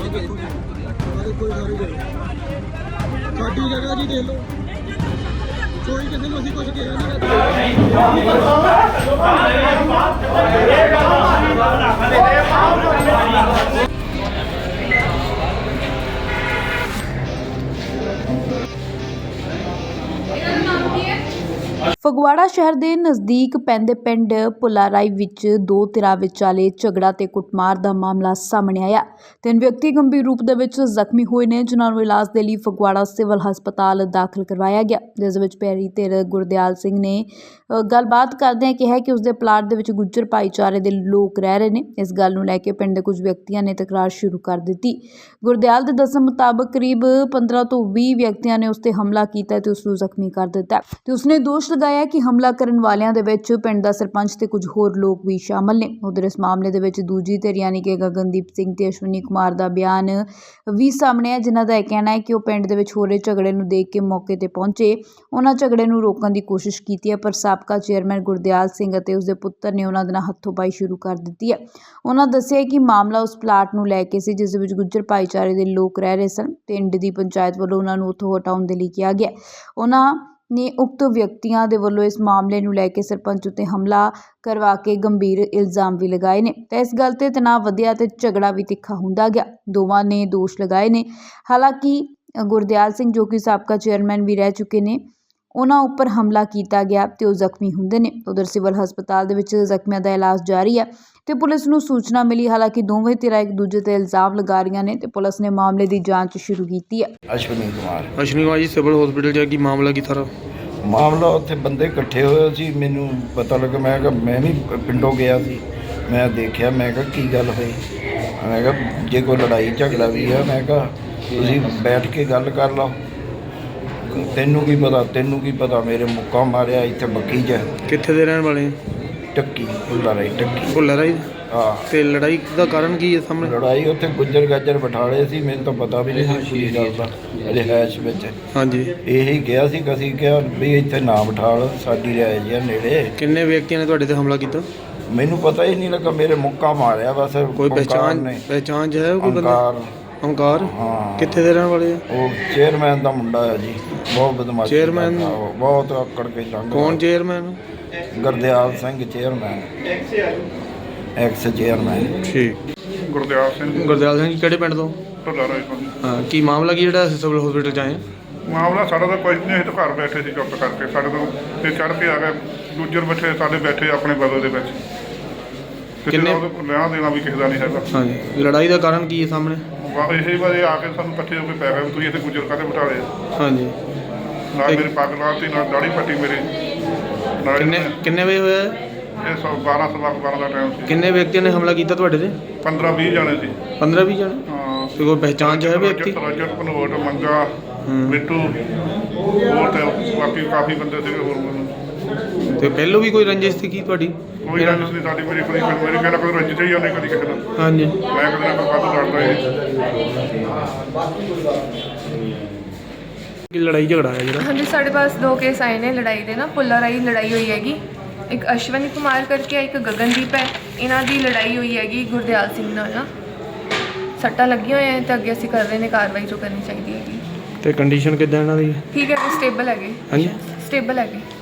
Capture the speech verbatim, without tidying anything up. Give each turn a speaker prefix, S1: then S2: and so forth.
S1: ਸਾਡੀ ਜਗ੍ਹਾ ਜੀ ਦੇਖ ਲਓ, ਕੋਈ ਕਿਸੇ ਨੂੰ ਅਸੀਂ ਕੁਝ ਕਿਹਾ ਨਹੀਂ।
S2: ਫਗਵਾੜਾ ਸ਼ਹਿਰ ਦੇ ਨਜ਼ਦੀਕ ਪੈਂਦੇ ਪਿੰਡ ਪੁਲਾਰਾਈ ਵਿੱਚ ਦੋ ਧਿਰਾਂ ਵਿਚਾਲੇ ਝਗੜਾ ਤੇ ਕੁੱਟਮਾਰ ਦਾ ਮਾਮਲਾ ਸਾਹਮਣੇ ਆਇਆ। ਤਿੰਨ ਵਿਅਕਤੀ ਗੰਭੀਰ ਰੂਪ ਦੇ ਵਿੱਚ ਜ਼ਖਮੀ ਹੋਏ ਨੇ, ਜਿਨ੍ਹਾਂ ਨੂੰ ਇਲਾਜ ਦੇ ਲਈ ਫਗਵਾੜਾ ਸਿਵਲ ਹਸਪਤਾਲ ਦਾਖਲ ਕਰਵਾਇਆ ਗਿਆ, ਜਿਸ ਵਿੱਚ ਪਹਿਲੀ ਧਿਰ ਗੁਰਦਿਆਲ ਸਿੰਘ ਨੇ ਗੱਲਬਾਤ ਕਰਦਿਆਂ ਕਿਹਾ ਕਿ ਉਸਦੇ ਪਲਾਟ ਦੇ ਵਿੱਚ ਗੁੱਜਰ ਭਾਈਚਾਰੇ ਦੇ ਲੋਕ ਰਹਿ ਰਹੇ ਨੇ। ਇਸ ਗੱਲ ਨੂੰ ਲੈ ਕੇ ਪਿੰਡ ਦੇ ਕੁਝ ਵਿਅਕਤੀਆਂ ਨੇ ਤਕਰਾਰ ਸ਼ੁਰੂ ਕਰ ਦਿੱਤੀ। ਗੁਰਦਿਆਲ ਦੇ ਦੱਸਣ ਮੁਤਾਬਕ ਕਰੀਬ ਪੰਦਰਾਂ ਤੋਂ ਵੀਹ ਵਿਅਕਤੀਆਂ ਨੇ ਉਸ ਤੇ ਹਮਲਾ ਕੀਤਾ ਤੇ ਉਸ ਨੂੰ ਜ਼ਖਮੀ ਕਰ ਦਿੱਤਾ ਤੇ ਉਸਨੇ ਦੋਸ਼ ਲਗਾਇਆ ਕਿ ਹਮਲਾ ਕਰਨ ਵਾਲਿਆਂ ਦੇ ਵਿੱਚ ਪਿੰਡ ਦਾ ਸਰਪੰਚ ਤੇ ਕੁਝ ਹੋਰ ਲੋਕ ਵੀ ਸ਼ਾਮਲ ਨੇ। ਉਧਰ ਇਸ ਮਾਮਲੇ ਦੇ ਵਿੱਚ ਦੂਜੀ ਧਿਰ ਯਾਨੀ ਕਿ ਗਗਨਦੀਪ ਸਿੰਘ ਤੇ ਅਸ਼ਵਨੀ ਕੁਮਾਰ ਦਾ ਬਿਆਨ ਵੀ ਸਾਹਮਣੇ ਹੈ, ਜਿਨ੍ਹਾਂ ਦਾ ਇਹ ਕਹਿਣਾ ਹੈ ਕਿ ਉਹ ਪਿੰਡ ਦੇ ਵਿੱਚ ਹੋ ਰਹੇ ਝਗੜੇ ਨੂੰ ਦੇਖ ਕੇ ਮੌਕੇ ਤੇ ਪਹੁੰਚੇ। ਉਹਨਾਂ ਝਗੜੇ ਨੂੰ ਰੋਕਣ ਦੀ ਕੋਸ਼ਿਸ਼ ਕੀਤੀ ਹੈ, ਪਰ ਸਾਬਕਾ ਚੇਅਰਮੈਨ ਗੁਰਦਿਆਲ ਸਿੰਘ ਅਤੇ ਉਸਦੇ ਪੁੱਤਰ ਨੇ ਉਹਨਾਂ ਦੇ ਨਾਲ ਹੱਥੋਂ-ਪਾਈ ਸ਼ੁਰੂ ਕਰ ਦਿੱਤੀ ਹੈ। ਉਹਨਾਂ ਦੱਸਿਆ ਕਿ ਮਾਮਲਾ ਉਸ ਪਲਾਟ ਨੂੰ ਲੈ ਕੇ ਸੀ, ਜਿਸ ਦੇ ਵਿੱਚ ਗੁੱਜਰ ਭਾਈਚਾਰੇ ਦੇ ਲੋਕ ਰਹਿ ਰਹੇ ਸਨ। ਪਿੰਡ ਦੀ ਪੰਚਾਇਤ ਵੱਲੋਂ ਉਹਨਾਂ ਨੂੰ ਉੱਥੋਂ ਹਟਾਉਣ ਦੇ ਲਈ ਕਿਹਾ ਗਿਆ। ਉਹਨਾਂ ਨੇ ਉਕਤ ਵਿਅਕਤੀਆਂ ਦੇ ਵੱਲੋਂ ਇਸ ਮਾਮਲੇ ਨੂੰ ਲੈ ਕੇ ਸਰਪੰਚ ਉੱਤੇ ਹਮਲਾ ਕਰਵਾ ਕੇ ਗੰਭੀਰ ਇਲਜ਼ਾਮ ਵੀ ਲਗਾਏ ਨੇ ਤੇ ਇਸ ਗੱਲ ਤੇ ਤਣਾਅ ਵਧਿਆ ਤੇ ਝਗੜਾ ਵੀ ਤਿੱਖਾ ਹੁੰਦਾ ਗਿਆ। ਦੋਵਾਂ ਨੇ ਦੋਸ਼ ਲਗਾਏ ਨੇ। ਹਾਲਾਂਕਿ ਗੁਰਦਿਆਲ ਸਿੰਘ, ਜੋ ਕਿ ਸਾਬਕਾ ਚੇਅਰਮੈਨ ਵੀ ਰਹਿ ਚੁੱਕੇ ਨੇ, ਉਹਨਾਂ ਉੱਪਰ ਹਮਲਾ ਕੀਤਾ ਗਿਆ ਤੇ ਉਹ ਜ਼ਖਮੀ ਹੁੰਦੇ ਨੇ। ਉਧਰ ਸਿਵਲ ਹਸਪਤਾਲ ਦੇ ਵਿੱਚ ਜ਼ਖਮੀਆਂ ਦਾ ਇਲਾਜ ਜਾਰੀ ਹੈ ਤੇ ਪੁਲਿਸ ਨੂੰ ਸੂਚਨਾ ਮਿਲੀ। ਹਾਲਾਂਕਿ ਦੋਵੇਂ ਧਿਰਾਂ ਇੱਕ ਦੂਜੇ ਤੇ ਇਲਜ਼ਾਮ ਲਗਾ ਰਹੀਆਂ ਨੇ ਤੇ ਪੁਲਿਸ ਨੇ ਮਾਮਲੇ ਦੀ ਜਾਂਚ ਸ਼ੁਰੂ ਕੀਤੀ ਹੈ।
S3: ਅਸ਼ਵਨੀ ਕੁਮਾਰ
S4: ਅਸ਼ਵਨੀ ਕੁਮਾਰ ਜੀ ਸਿਵਲ ਹਸਪੀਟਲ ਜਾ ਕੇ ਮਾਮਲਾ ਕੀ ਸਾਰਾ
S3: ਮਾਮਲਾ ਉੱਥੇ ਬੰਦੇ ਇਕੱਠੇ ਹੋਏ ਸੀ। ਮੈਨੂੰ ਪਤਾ ਲੱਗਾ, ਮੈਂ ਕਿਹਾ ਮੈਂ ਵੀ ਪਿੰਡੋਂ ਗਿਆ ਸੀ, ਮੈਂ ਦੇਖਿਆ, ਮੈਂ ਕਿਹਾ ਕੀ ਗੱਲ ਹੋਈ। ਮੈਂ ਕਿਹਾ ਜੇ ਕੋਈ ਲੜਾਈ ਝਗੜਾ ਵੀ ਆ, ਮੈਂ ਕਿਹਾ ਤੁਸੀਂ ਬੈਠ ਕੇ ਗੱਲ ਕਰ ਲਓ। ਤੈਨੂੰ ਕੀ ਪਤਾ ਤੈਨੂੰ ਕੀ ਪਤਾ ਮੇਰੇ ਮੁੱਕਾ ਮਾਰਿਆ ਇੱਥੇ ਬੱਕੀ 'ਚ।
S4: ਕਿੱਥੇ ਦੇ ਰਹਿਣ ਵਾਲੇ?
S3: ਟੱਕੀ ਭੁੱਲਾਰਾਈ ਟੱਕੀ
S4: ਭੁੱਲਾਰਾਈ।
S3: ਹਾਂ।
S4: ਤੇ ਲੜਾਈ ਦਾ ਕਾਰਨ ਕੀ ਹੈ ਸਾਹਮਣੇ?
S3: ਲੜਾਈ ਉੱਥੇ ਗੁੱਜਰ ਗਾਜਰ ਬਿਠਾਲੇ ਸੀ, ਮੈਨੂੰ ਤਾਂ ਪਤਾ ਵੀ ਨਹੀਂ ਸੀ ਕੀ ਗੱਲ ਦਾ ਰਿਹਾਇਸ਼ ਵਿੱਚ।
S4: ਹਾਂਜੀ।
S3: ਇਹੀ ਕਿਹਾ ਸੀ ਕਿ ਅਸੀਂ ਕਿਹਾ ਵੀ ਇੱਥੇ ਨਾ ਬਿਠਾ ਲਓ, ਸਾਡੀ ਰਿਹਾਇਸ਼ ਆ ਨੇੜੇ।
S4: ਕਿੰਨੇ ਵਿਅਕਤੀਆਂ ਨੇ ਤੁਹਾਡੇ ਤੇ ਹਮਲਾ ਕੀਤਾ?
S3: ਮੈਨੂੰ ਪਤਾ ਹੀ ਨਹੀਂ ਲੱਗਾ, ਮੇਰੇ ਮੁੱਕਾ ਮਾਰਿਆ ਬਸ।
S4: ਕੋਈ ਪਹਿਚਾਣ ਪਹਿਚਾਣ ਹੈ ਕੋਈ ਬੰਦਾ? ਓਮਕਾਰ।
S3: ਹਾਂ।
S4: ਕਿੱਥੇ ਦੇ ਰਹਿਣ ਵਾਲੇ ਆ? ਉਹ
S3: ਚੇਅਰਮੈਨ ਦਾ ਮੁੰਡਾ ਹੈ ਜੀ, ਬਹੁਤ ਬਦਮਾਸ਼
S4: ਚੇਅਰਮੈਨ,
S3: ਬਹੁਤ ਆਕੜ ਕੇ ਲੰਘ।
S4: ਕੌਣ chairman?
S3: Gurdial Singh chairman, ex chairman.
S4: ਠੀਕ।
S5: ਗੁਰਦਿਆਲ ਸਿੰਘ।
S4: ਗੁਰਦਿਆਲ ਸਿੰਘ ਕਿਹੜੇ ਪਿੰਡ ਤੋਂ?
S5: ਢੁੱਲਾਰਾਈ ਤੋਂ।
S4: ਹਾਂ, ਕੀ ਮਾਮਲਾ ਕੀ ਜਿਹੜਾ ਸਿਵਲ ਹਸਪੀਟਲ 'ਚ ਆਏ?
S5: ਮਾਮਲਾ ਸਾਡਾ ਤਾਂ ਕੁਝ ਨਹੀਂ, ਅਸੀਂ ਤਾਂ ਘਰ ਬੈਠੇ ਸੀ ਚੁੱਪ ਕਰਕੇ। ਸਾਡੇ ਤੋਂ ਤੇ ਚੜ੍ਹ ਕੇ ਆ ਗਏ ਗੁੱਜਰ ਬੈਠੇ, ਸਾਡੇ ਬੈਠੇ ਆਪਣੇ ਬਦਲ ਦੇ ਵਿੱਚ।
S4: ਕਿੰਨੇ
S5: ਲੈਣਾ ਦੇਣਾ ਵੀ ਕਿਸੇ ਦਾ ਨਹੀਂ ਹੈਗਾ।
S4: ਹਾਂਜੀ। ਲੜਾਈ ਦਾ ਕਾਰਨ ਕੀ ਹੈ ਸਾਹਮਣੇ?
S5: ਇਹੀ ਵਾਰੇ ਆ ਕੇ ਸਾਨੂੰ ਇਕੱਠੇ ਹੋ ਕੇ ਪੈ ਗਏ, ਤੁਸੀਂ ਇੱਥੇ ਗੁੱਜਰ ਕਾਹਦੇ ਬਿਠਾ ਲਏ।
S4: ਹਾਂਜੀ।
S5: ਨਾਲ ਮੇਰੀ ਪੱਗ ਲਾਤੀ, ਨਾਲ ਦਾੜੀ ਪੱਟੀ ਮੇਰੀ।
S4: ਕਿੰਨੇ ਕਿੰਨੇ ਵਜੇ ਹੋਇਆ
S5: ਇਹ ਸੌ ਬਾਰਾਂ ਸਵਾ ਬਾਰਾਂ ਦਾ ਟਾਈਮ ਸੀ।
S4: ਕਿੰਨੇ ਵਿਅਕਤੀਆਂ ਨੇ ਹਮਲਾ ਕੀਤਾ ਤੁਹਾਡੇ ਤੇ?
S5: ਪੰਦਰਾਂ ਵੀਹ ਜਾਣੇ ਸੀ।
S4: ਪੰਦਰਾਂ ਵੀਹ ਜਾਣੇ?
S5: ਹਾਂ।
S4: ਤੇ ਕੋਈ ਪਹਿਚਾਣ 'ਚ ਹੈ ਵਿਅਕਤੀ?
S5: ਰਜਤ ਪਨੋਟ, ਮੰਗਾ, ਮਿੱਟੂ, ਹੋਰ ਤੇ ਬਾਕੀ ਕਾਫੀ ਬੰਦੇ ਸੀਗੇ ਹੋਰ।
S4: ਤੇ ਪਹਿਲੋਂ ਵੀ ਕੋਈ ਰੰਜਿਸ਼ ਸੀ ਕੀ ਤੁਹਾਡੀ?
S5: ਕੋਈ ਰੰਜਿਸ਼ ਨਹੀਂ ਸਾਡੀ, ਮੇਰੀ ਕੋਈ ਮੇਰੀ ਕਹਿੰਦਾ ਕੋਈ ਰੰਜਿਸ਼ ਹੀ ਉਹਨੇ ਕਦੀ ਕਿਸੇ ਨਾਲ।
S4: ਹਾਂਜੀ।
S5: ਮੈਂ ਕਦੇ ਨਾ ਕੋਈ ਕਾਹਤੋਂ ਲੜਦਾ ਇਹ।
S4: ਕੀ ਲੜਾਈ ਝਗੜਾ ਹੈ ਜਿਹੜਾ?
S6: ਹਾਂਜੀ, ਸਾਡੇ ਪਾਸ ਦੋ ਕੇਸ ਆਏ ਨੇ ਲੜਾਈ ਦੇ ਨਾ। ਪੁੱਲਾਰਾਈ ਲੜਾਈ ਹੋਈ ਹੈਗੀ, ਇੱਕ ਅਸ਼ਵਨੀ ਕੁਮਾਰ ਕਰਕੇ ਹੈ, ਇੱਕ ਗਗਨਦੀਪ ਹੈ। ਇਹਨਾਂ ਦੀ ਲੜਾਈ ਹੋਈ ਹੈਗੀ ਗੁਰਦਿਆਲ ਸਿੰਘ ਨਾਲ ਨਾ। ਸੱਟਾਂ ਲੱਗੀਆਂ ਹੋਈਆਂ ਤੇ ਅੱਗੇ ਅਸੀਂ ਕਰ ਰਹੇ ਨੇ ਕਾਰਵਾਈ ਜੋ ਕਰਨੀ ਚਾਹੀਦੀ ਹੈਗੀ।
S4: ਤੇ ਕੰਡੀਸ਼ਨ ਕਿੱਦਾਂ ਇਹਨਾਂ ਦੀ?
S6: ਠੀਕ ਹੈ, ਸਟੇਬਲ ਹੈਗੇ।
S4: ਹਾਂਜੀ,
S6: ਸਟੇਬਲ ਹੈਗੇ।